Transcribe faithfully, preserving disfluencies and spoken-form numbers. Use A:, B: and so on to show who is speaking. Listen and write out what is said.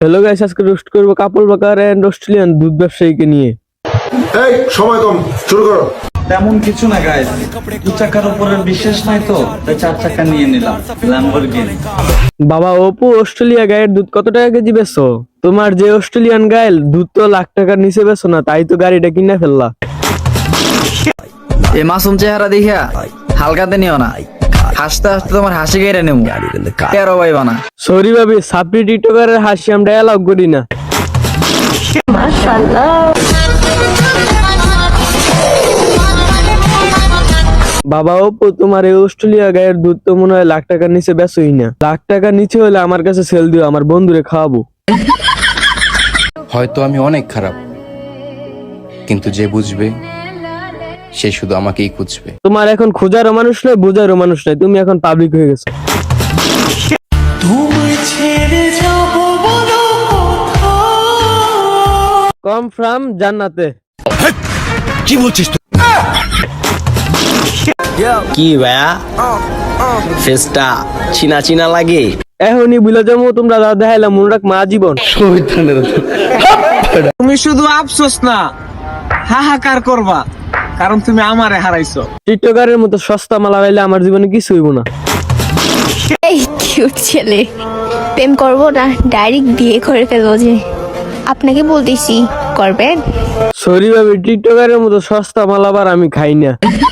A: Hello guys, আজকে roast করবো কাপল বাকার and Australian দুধ ব্যবসায়ীকে নিয়ে।
B: এই সময় কম, শুরু করো।
C: তেমন কিছু না গাইস, দু চাকার উপরে বিশ্বাস নাই তো তাই চার চাকা নিয়ে নিলাম ল্যাম্বরগিনি।
A: বাবা অপু, অস্ট্রেলিয়া গায়ের দুধ কত টাকা কেজি বেচো? তোমার যে অস্ট্রেলিয়ান গায়ের দুধ তো লাখ টাকার নিচে বেচো না, তাই তো গাড়িটা কিনে ফেললা।
D: এ মাসুম চেহারা দেখিয়া হালকাতে নিও না, হাসতে হাসতে তোমার হাসি গাইরা নেবো তেরো ভাই বানা।
A: সরি ভাবি, সাপ্রি টিকটকারের হাসি আমরা অ্যালাউ করি না। বাবা অপু, তোমার এই অস্ট্রেলিয়া গায়ের দুধ তো মনে হয় লাখ টাকার নিচে বেচোই না। লাখ টাকার নিচে হলে আমার কাছে সেল দিও, আমার বন্ধুরে খাওয়াবো।
E: হয়তো আমি অনেক খারাপ, কিন্তু যে বুঝবে সে শুধু আমাকেই খুঁজবে।
A: তোমার এখন খোঁজারও মানুষ নয়, বোঝারও মানুষ নয়, তুমি এখন পাবলিক হয়ে গেছো। কম ফ্রম জান্নাতে।
F: কি ভাইয়া ফেসটা চিনা চিনা লাগে।
A: এখনই বুঝলে যাবো তোমরা যা দেখাইলাম মনে রাখ মা জীবন।
G: তুমি শুধু আফসোস না হাহাকার করবা, কারণ তুমি আমারে হারাইছো।
A: টিকটকারের মতো সস্তা মালা পাইলে আমার জীবনে কিছু হইব না।
H: এই কিউট ছেলে, প্রেম করবো না ডাইরেক্ট বিয়ে করে ফেলবো। যে আপনাকে বলতেছি করবেন।
A: সরি ভাবি, টিকটকারের মতো সস্তা মালাবার আমি খাই না।